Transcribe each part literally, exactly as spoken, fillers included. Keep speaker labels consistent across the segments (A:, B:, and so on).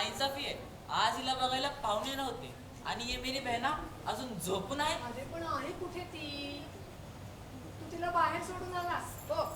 A: नाइंसाफी आहे. आज हिला बघायला पाहुणे नव्हते आणि ये मेरी बहना अजून झोपून आहे.
B: अरे पण आहे कुठे ती? तू तिला बाहेर सोडून आलास बघ.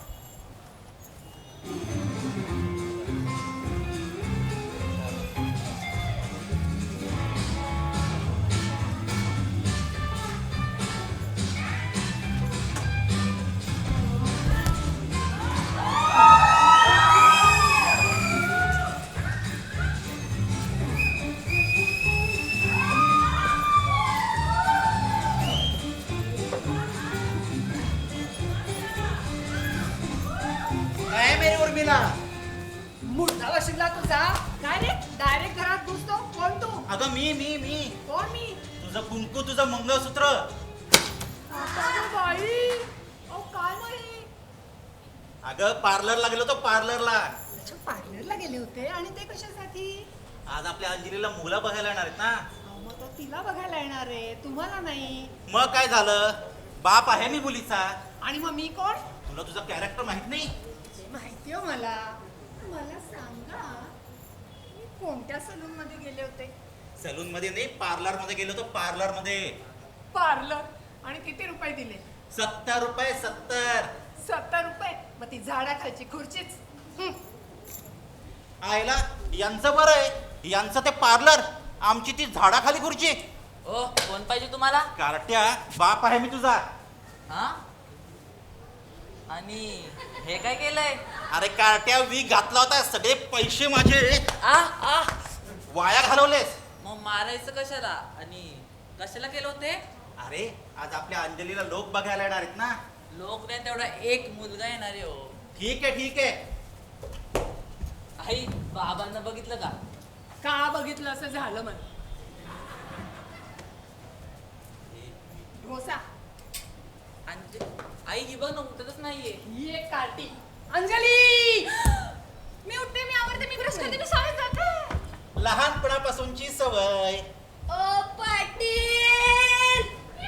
C: काय मेरी उर्मिला?
B: मुर्दा वशिला तुझा काय रे? डायरेक्ट घरात घुसतो. कोण तू?
C: अगं मी मी मी
B: कोण मी?
C: तुझं कुंकू, तुझं मंगळसूत्र.
B: अगं बाई, अहो काय नाही.
C: अगं पार्लरला गेलो तो पार्लरला.
B: अच्छा, पार्लरला गेले होते आणि ते कशासाठी?
C: आज आपल्या अंजलीला मुलं बघायला येणार आहेत ना.
B: अहो, मग तो तिला बघायला येणार आहे, तुम्हाला नाही.
C: मग काय झालं? बाप आहे मी मुलीचा.
B: आणि मग मी कोण?
C: तुला तुझं कॅरेक्टर माहित नाही?
B: माहिती हो मला. मला सांगा, मी कोणत्या सलून मध्ये गेले होते?
C: सलून मध्ये नाही, पार्लर मध्ये गेलो तो पार्लर मध्ये.
B: पार्लर. आणि किती रुपये दिले?
C: सत्तर रुपये सत्तर.
B: सत्तर रुपये. मग ती झाडाखालची खुर्चीच. हं.
C: आयला यांचं बरं आहे, यांचं ते पार्लर, आमची ती झाडाखाली खुर्ची.
A: ओ कोण पाहिजे तुम्हाला?
C: कार्ट्या, बाप आहे मी तुझा.
A: हा आणि हे काय केलंय?
C: अरे कार्ट्या, वीक घातला होता, सगळे पैसे माझे
A: आ आ
C: वाया घालवलेस.
A: मग मारायचं कशाला आणि कशाला केलं होते?
C: अरे आज आपल्या अंजलीला लोक बघायला येणार आहेत ना.
A: लोक नाही, तेवढा एक मुलगा येणार आहे. हो
C: ठीक आहे ठीक आहे.
A: आई, बाबांना बघितलं का?
B: का बघितलं असं झालं म्हण. ढोसा.
A: अंज आई ही बघ ना, उठतच नाहीये.
B: ही एक कार्टी. अंजली, मी उठते, मी आवडते, मी ब्रश करते, मी शाळेत जाते.
C: लहानपणापासूनची सवय.
D: ओ पाटील,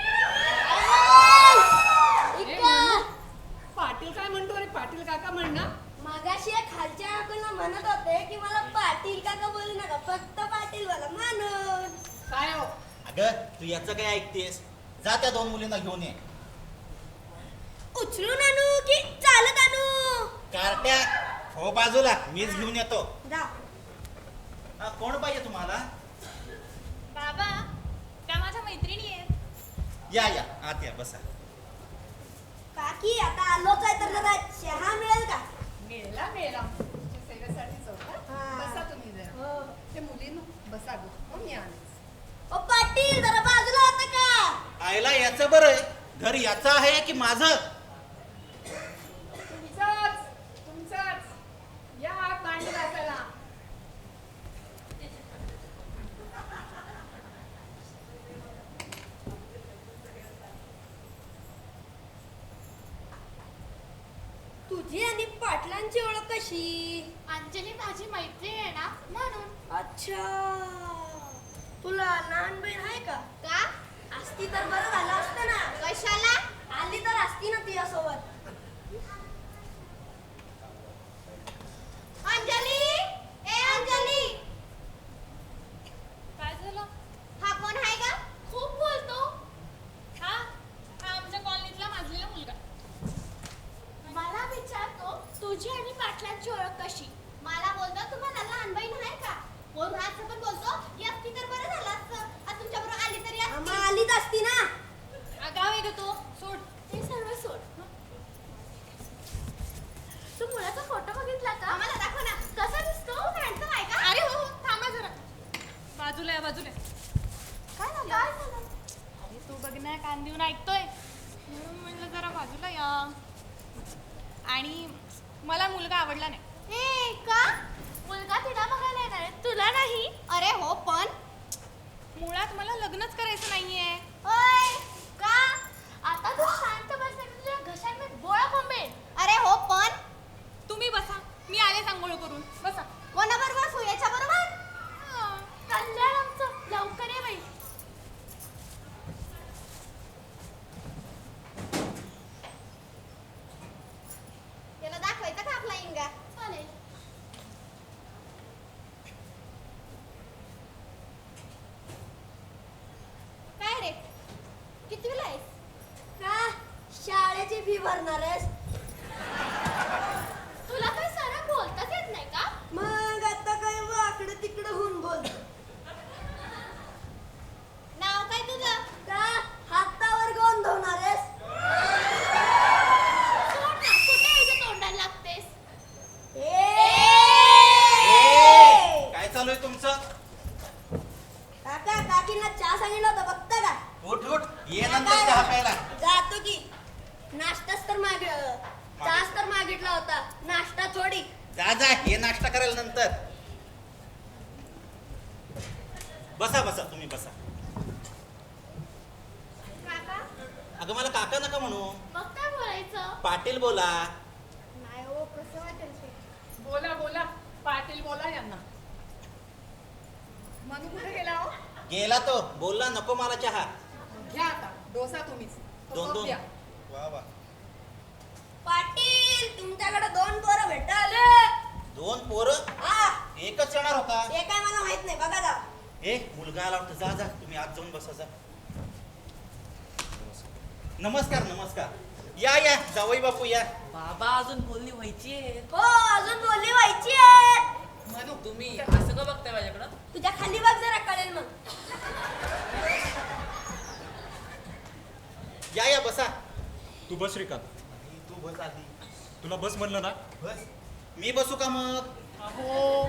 B: ए, म्हणू. पाटील काय म्हणतो रे? पाटील काका म्हण ना.
D: मगाशी या खालच्या काकूंना म्हणत होते की मला पाटील काका बोलू नका, फक्त पाटील बोला म्हणून.
B: काय हो?
C: अगं तू याचं काय ऐकतेस? जा त्या दोन मुलींना घेऊन ये.
D: उचलून आणू की चालत आणू?
C: कार्ट्या, हो बाजूला, मीच घेऊन येतो.
D: जा.
C: हा, कोण पाहिजे तुम्हाला?
E: बाबा, त्या माझ्या मैत्रिणी आहेत.
C: या या आत या, बसा.
D: काकी आता आलोच आहे तर जरा चहा मिळेल का?
B: मेला मेला तुमच्या सेवेसाठीच होता.
D: हा.
B: बसा तुम्ही जरा.
D: हो.
B: ते मुलींनो बसा गो. हो, मी आलेच.
D: ओ पाटील, जरा बाजूला होता का?
C: आयला याचं बरं आहे, घर याचं आहे की माझं?
B: तुमचाच तुमचाच. या आत भांडी घासायला.
D: तुझी आणि पाटलांची ओळख कशी?
E: अंजली माझी मैत्रीण आहे ना, म्हणून.
D: अच्छा, तुला लहान बहीण आहे का?
E: का?
D: असती तर बरं झालं असतं ना.
E: कशाला?
D: आली तर असती ना तिच्यासोबत.
E: अंजली, ए अंजली. काय झालं? हा कोण आहे का? खूप बोलतो. हा हा आमच्या कॉलनीतला माजलेला मुलगा. मला विचारतो तुझी आणि पाटलांची ओळख कशी. मला बोलतो तुम्हाला लहान बहीण आहे का. कोण असं पण बोलतो की असती तर बरं झालं असतं. आज तुमच्याबरोबर आली तरी
D: मग
E: असती.
D: आलीच असती ना.
E: आगाव आहे का तो? सोड ते सर्व सोड. तू मुलाचा फोटो बघितला का? आम्हाला दाखव ना. कसा दिसतो? हँडसम आहे का? अरे हो हो, थांबा जरा. बाजूला या, बाजूला. काय झालं? काय झालं? अरे तू बघ ना, कान देऊन ऐकतोय. म्हणून म्हणलं जरा बाजूला या. आणि मला मुलगा आवडला नाही. हे का? मुलगा तिला बघायला येणार आहे, तुला नाही? अरे हो, पण मुळात मला लग्नच करायचं नाहीये. ओय, का? आता तू शांत बस, तुझ्या घशात बोळा कोंबेल. अरे हो, पण तुम्ही बसा, मी आले सांगोळ करून. बसा. कोणाबरोबर बसू? याच्या बरोबर? कल्याण आमचं. लवकर ये बाई. याला दाखवायचा का आपला इंगा? चालेल.
D: भरणार आहेस?
E: तुला काही सरळ बोलताच येत नाही का?
D: मग आता काय वाकडं तिकडं होऊन बोल.
E: नाव काय तुझं?
D: का हातावर गोंधवणार आहेस?
E: सोड ना, कुठे यायच्या तोंडाला लागतेस?
D: ए!
C: काय चालू आहे तुमचं?
D: काका काकींना चहा सांगितलं होतं बघता का?
C: उठ उठ ये नंतर चहा प्यायला.
D: जातो की. नाश्ताच तर माग चहाच तर मागितला होता, नाश्ता थोडी.
C: जा जा ये नाश्ता करायला नंतर. बसा बसा तुम्ही बसा.
E: काका,
C: अगं मला काका नका म्हणू,
E: मग काय बोलायचं?
C: पाटील बोला.
E: नाही हो, कसं वाटेल ते?
B: बोला बोला पाटील बोला यांना. मनू कुठे गेला हो?
C: गेला तो, बोलला नको मला चहा.
B: घ्या आता डोसा तुम्हीच. तो
C: दोन
B: कप
C: दोन
B: द्या.
C: वा वा.
D: पाटील तुमच्याकडे दोन पोरं भेटाले.
C: दोन पोरं
D: हा
C: एकच येणार होता.
D: ते काय मला माहित नाही, बघा जा.
C: ए मुलगा आला वाटतं, जा जा तुम्ही आत जाऊन बसा जा. नमस्कार नमस्कार या या जावई बापू या.
A: बाबा अजून बोलणी व्हायची आहे.
D: हो अजून बोलली व्हायची आहे.
B: मनू
A: तुम्ही असं का बघताय माझ्याकडं?
D: तुझ्या खाली बघ जरा कळेल मग.
C: या या बसा.
F: तू बस श्रीकांत.
C: तू बस आधी.
F: तुला बस म्हणलं ना.
C: बस. मी बसू का मग?
B: अहो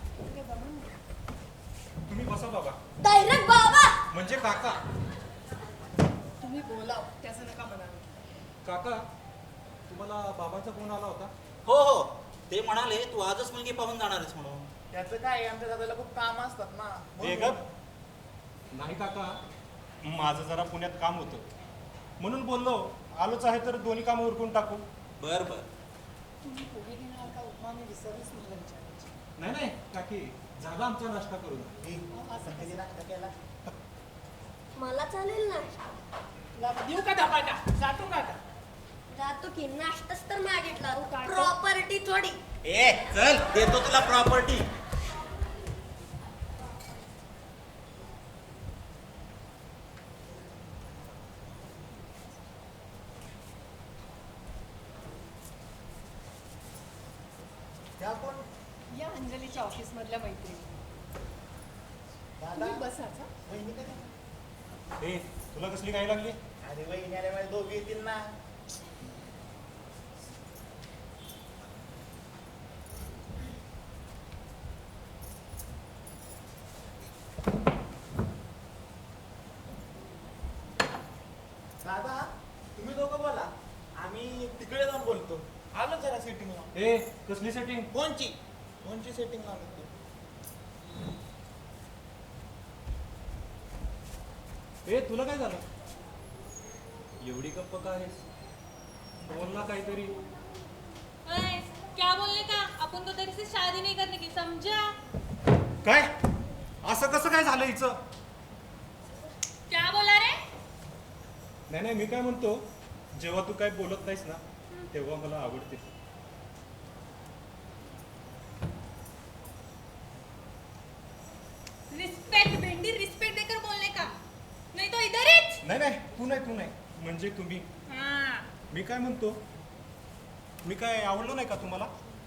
F: तुम्ही बसा बाबा.
D: डायरेक्ट बाबा.
F: म्हणजे काका.
B: तुम्ही बोला, त्याचं नका म्हणाल.
F: काका तुम्हाला बाबांचा फोन आला होता.
C: हो हो ते म्हणाले तू आजच मुलगी पाहून जाणार आहेस म्हणून.
G: त्याचं काय आमच्या दादाला खूप काम असतात ना.
F: हे गप. नाही काका माझं जरा पुण्यात काम होतं म्हणून बोललो आलोच आहे तर दोन्ही कामं उरकून टाकू.
C: बर बर.
B: तुम्ही पोहे घेणार का उपमा? मी विसरलीच मला विचारायची.
F: नाही नाही काकी झाला आमचा नाश्ता करून.
B: अहो, असं
G: कधी नाश्ता केला?
D: मला चालेल ना.
B: तुला देऊ का धपाटा? जातो का आता?
D: जातो की, नाश्ताच तर मागितला,
B: हो, काढतो.
D: प्रॉपर्टी थोडी.
C: ए चल देतो तुला प्रॉपर्टी.
G: त्या कोण?
B: या अंजलीच्या ऑफिस मधल्या मैत्रिणी.
G: दादा
B: तुम्ही बसाचा.
G: वहिनी कधी?
F: ए तुला कसली काय लागली.
G: अरे वहिनी आल्या माझ्या दोघी येतील ना. दादा तुम्ही दोघं बोला, आम्ही तिकडे जाऊन बोलतो. आलो जरा सेटिंगला.
F: ए कसली सेटिंग.
G: कोणची कोणची सेटिंग आलो तू?
F: ए तुला काय झालं. एवढी गप्प का आहेस. बोल ना काहीतरी.
E: ओए, क्या बोलने का? अपन तो तेरे से शादी नहीं करने की, समझा?
F: काय असं कसं काय झालं हिचं.
E: क्या बोला रे?
F: नाही नाही मी काय म्हणतो जेव्हा तू काय बोलत नाहीस ना तेव्हा मला आवडते.
E: रिस्पेक्ट भेंडी, रिस्पेक्ट देकर बोलने का, नहीं तो इधर ही.
F: नाही नाही तू नाही तू नाही म्हणजे तुम्ही.
E: हाँ.
F: मी काय म्हणतो मी काय आवडलो नाही का तुम्हाला.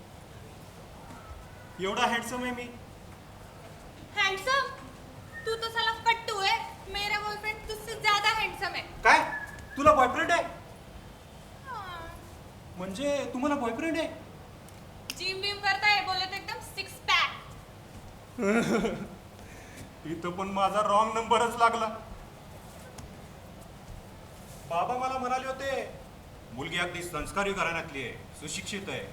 F: एवढा हँडसम आहे मी.
E: हैंडसम? तू तो साला कट्टू है. मेरा बॉयफ्रेंड तुझसे ज्यादा हैंडसम है.
F: काय तुला बॉयफ्रेंड आहे.
E: हाँ.
F: म्हणजे तुम्हाला बॉयफ्रेंड आहे.
E: जिम बिम करता है, बोले तो एकदम सिक्स पैक.
F: इथं पण माझा रॉंग नंबरच लागला. बाबा मला म्हणाले होते मुलगी अगदी संस्कारी घराण्यातली आहे, सुशिक्षित आहे.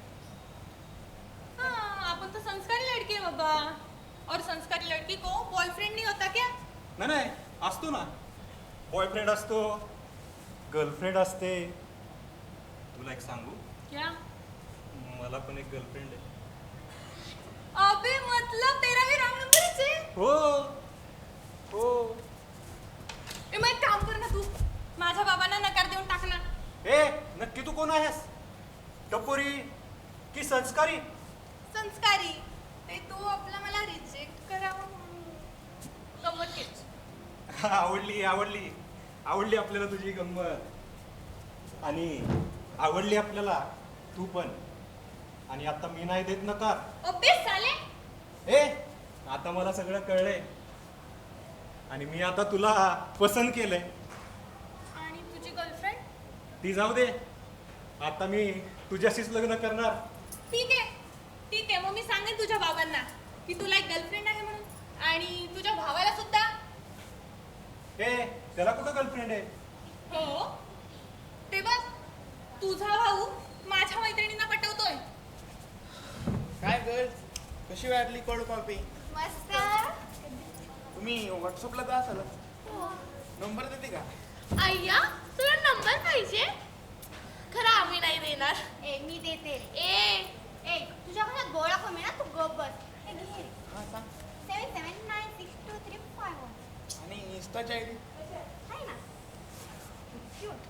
E: हाँ, अपन तो संस्कारी लड़की है बाबा. और संस्कारी लड़की को बॉयफ्रेंड नहीं होता क्या?
F: नाही नाही असतो ना. बॉयफ्रेंड असतो, गर्लफ्रेंड असते. तुला एक सांगू
E: क्या?
F: मला पण एक गर्लफ्रेंड आहे.
E: अबे मतलब तेरा भी रॉन्ग नंबर ही है.
F: हो हो.
E: ए, मग एक काम कर ना तू, माझ्या बाबांना नकार देऊन टाक ना.
F: ए नक्की तू कोण आहेस. टपोरी की संस्कारी.
E: संस्कारी. ते तू आपला मला रिजेक्ट करावं म्हणून गंमत केली.
F: आवडली आवडली आवडली आपल्याला तुझी गंमत. आणि आवडली आपल्याला तू पण. आणि आता मी नाही देत नकार.
E: ओबे साले.
F: ए आता मला सगळं कळलंय आणि मी आता तुला पसंत केलंय.
E: आणि तुझी गर्लफ्रेंड?
F: ती जाऊ दे, आता मी तुझ्याशीच लग्न करणार.
E: ठीक आहे ठीक आहे, मग मी सांगेन तुझ्या बाबांना की तुला एक गर्लफ्रेंड आहे म्हणून, आणि तुझ्या भावाला सुद्धा.
F: ए त्याला कुठं गर्लफ्रेंड आहे?
E: हो ते बघ, तुझा भाऊ माझ्या मैत्रिणींना पटवतोय.
G: काय गर्ल, कशी वाटली कोल्ड कॉफी?
E: मस्त.
G: तुम्ही व्हॉट्सअपला जा असाल, नंबर देते का?
E: अय्या तुला नंबर पाहिजे? खरं आम्ही नाही देणार. ए मी देते. ए ए तुझ्या घरात गोळा कमी ना, तू गप बस. हे घे.
G: हा सांग.
E: Seven seven nine six two three five one.
G: आणि इन्स्टाची आय डी?
E: आहे ना. क्यूट.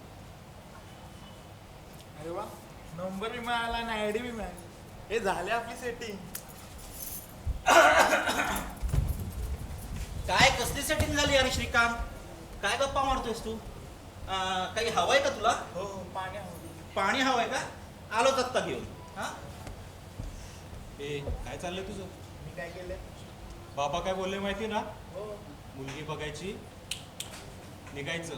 G: अरे वा, नंबर बी मिळाला आणि आय डी बी मिळाली. हे झाले आपली सेटिंग.
C: काय कसली सेटिंग झाली अरे श्रीकांत? काय गप्पा मारतोयस तू? अं, काही हवंय का तुला?
G: हो पाणी हवं.
C: पाणी हवंय का? आलोच आत्ता घेऊन. हा
F: ए काय चाललंय तुझं?
G: मी काय केलं?
F: बाबा काय बोलले माहिती ना?
G: हो.
F: मुलगी बघायची, निघायचं.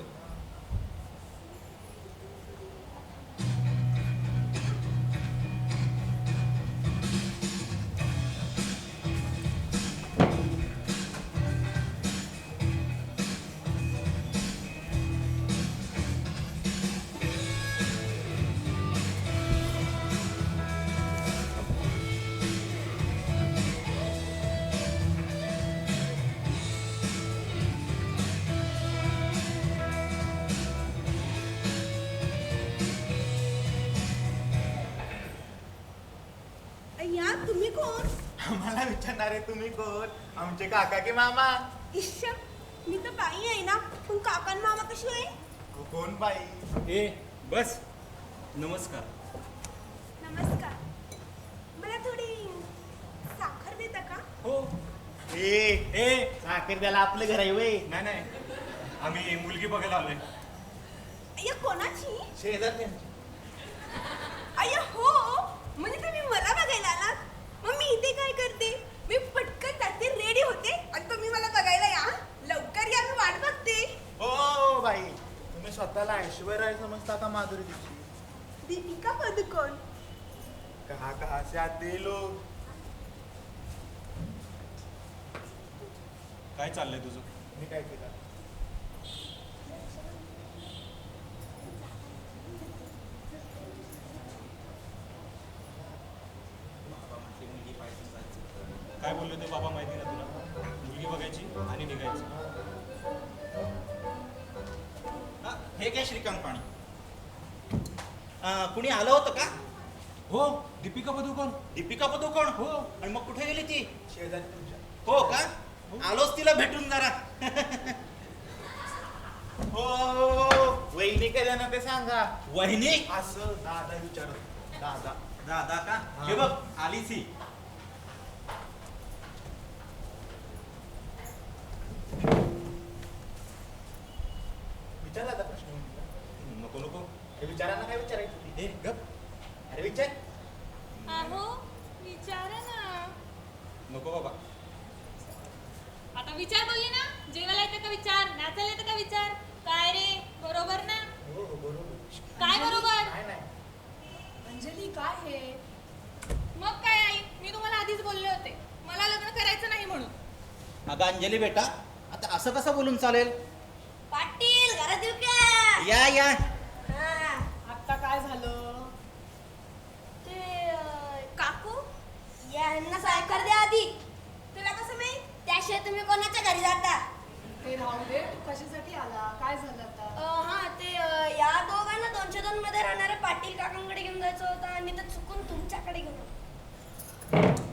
B: अय्या तुम्ही कोण?
G: आम्हाला विचारणारे तुम्ही कोण? आमचे काका की मामा?
B: इश्श, मी तर बाई आहे ना, पण काकान मामा कशी आहे?
G: तू कोण बाई?
F: ए बस. नमस्कार.
B: नमस्कार. मला थोडी साखर देता का?
F: हो.
G: ए
F: ए
G: साखर द्यायला आपलं घर आहे वय.
F: नाही नाही, आम्ही मुलगी बघायला आलोय.
B: अय्या कोणाची?
G: शेजारचे.
B: अय्या हो, म्हणजे तुम्ही मला बघायला आलात? मग मी इथे काय करते? मी पटकन जाते, रेडी होते आणि तुम्ही मला बघायला या. लवकर या, मी वाट बघते.
G: हो बाई, तुम्ही स्वतःला ऐश्वर्या राय समजता का माधुरी दीक्षित?
B: दीपिका पदुकोण.
G: कहा कहा से आते लोग.
F: काय चाललंय तुझं?
G: मी काय केलं?
F: काय बोलले ते बाबा माहिती ना तुला? मुलगी बघायची आणि निघायचं.
C: हा, हे काय श्रीकांत पाणी? अं, कुणी आलं होतं का?
F: हो दीपिका पदुकोण.
C: दीपिका पदुकोण?
F: हो.
C: आणि मग कुठे गेली ती?
G: शेजारी तुमच्या.
C: हो का? आलोच तिला भेटून जरा.
G: हो वहिनी काय देणार ते सांगा.
C: वहिनी?
G: असं दादा विचारत. दादा.
C: दादा का?
G: हा.
C: हे बघ आलीच ही.
G: विचारला आता प्रश्न वहिनीला.
F: नको नको.
G: हे विचारांना काय विचारायचं होती?
F: ए गप.
G: अरे विचार.
E: अहो विचारा ना.
F: नको बाबा.
E: आता विचार बोलली ना, जेवायला येतं का विचार, नाचायला येतं का विचार. काय रे, बरोबर ना?
G: हो हो बरोबर.
E: काय बरोबर?
G: काय नाही.
B: अंजली काय हे?
E: मग काय आई, मी तुम्हाला आधीच बोलले होते मला लग्न करायचं नाही म्हणून.
C: अगं अंजली बेटा, आता असं कसं बोलून चालेल?
D: पाटील घरात येऊ का?
C: या या.
D: हा,
B: आता काय झालं?
D: ते अं, काकू यांना सायकर द्या आधी.
B: तुला कसं माहित?
D: त्याशिवाय तुम्ही कोणाच्या घरी जाता?
B: ते राहू दे, तू कशासाठी आला? काय झालं आता?
D: अं, हा ते अं, या दोघांना दोनशे दोन मध्ये राहणाऱ्या पाटील काकांकडे घेऊन जायचं होतं आणि ते चुकून तुमच्याकडे घेऊन आलो.